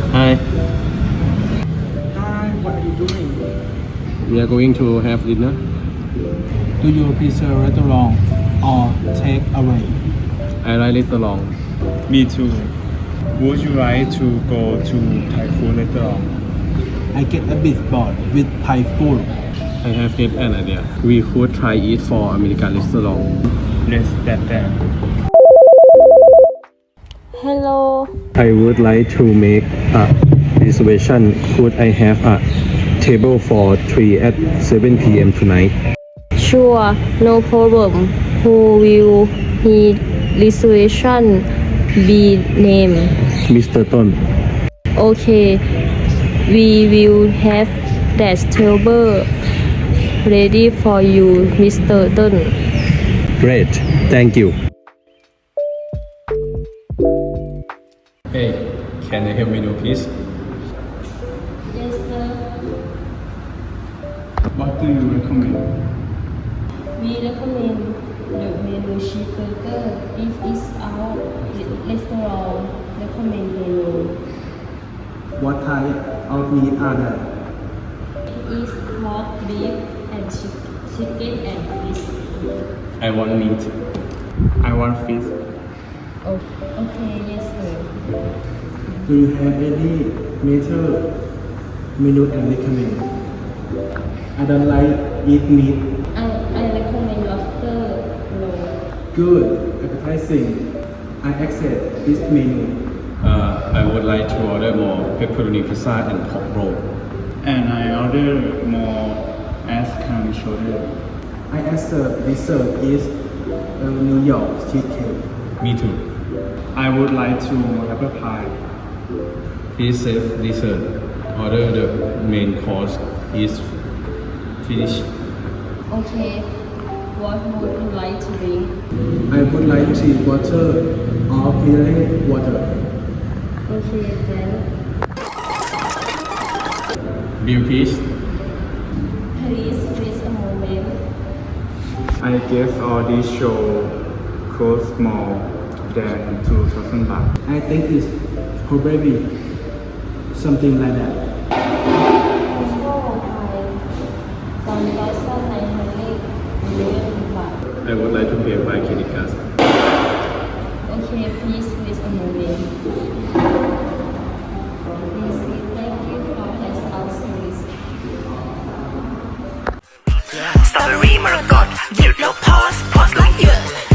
Hi. Hi, what are you doing? We are going to have dinner. Do you prefer restaurant or take away? I like restaurant. Me too. Would you like to go to Thai food restaurant? I get a bit bored with Thai food. I have get an idea. We could try it for American restaurant. Let's get that. Hello. I would like to make a reservation. Could I have a table for 3 at 7 p.m. tonight? Sure, no problem. Who will need reservation be named? Mr. Ton. Okay, we will have that table ready for you, Mr. Dunn. Great. Thank you. Hey, can you help me do please? Yes, sir. What do you recommend? We recommend the menu cheeseburger. It is our restaurant recommend menu. What type of meat are there? It is pork, beef, and chicken and fish. I want meat. I want fish. Oh, okay, yes, sir. Do you have any major menu and recommend? I don't like eat meat. I recommend lobster roll. Good, appetizing. I accept this menu. I would like to order more pepperoni pizza and pork roll. And I order more ice cream shoulder. I accept dessert is New York cheesecake. Me too. I would like to have a pie. Please save dessert. Order the main course is finished. Okay, what would you like to drink? I would like tea water or mineral water. Okay, then. Bill please. Please wait a moment. I guess all these show cost more than 2,000 baht. I think it's probably something like that. I would like to pay by credit card. Okay, please wait a moment. Please say thank you for our service. สตรอเบอรี่มรกตหยุดแล้วโพสต์ไลค์เยอะ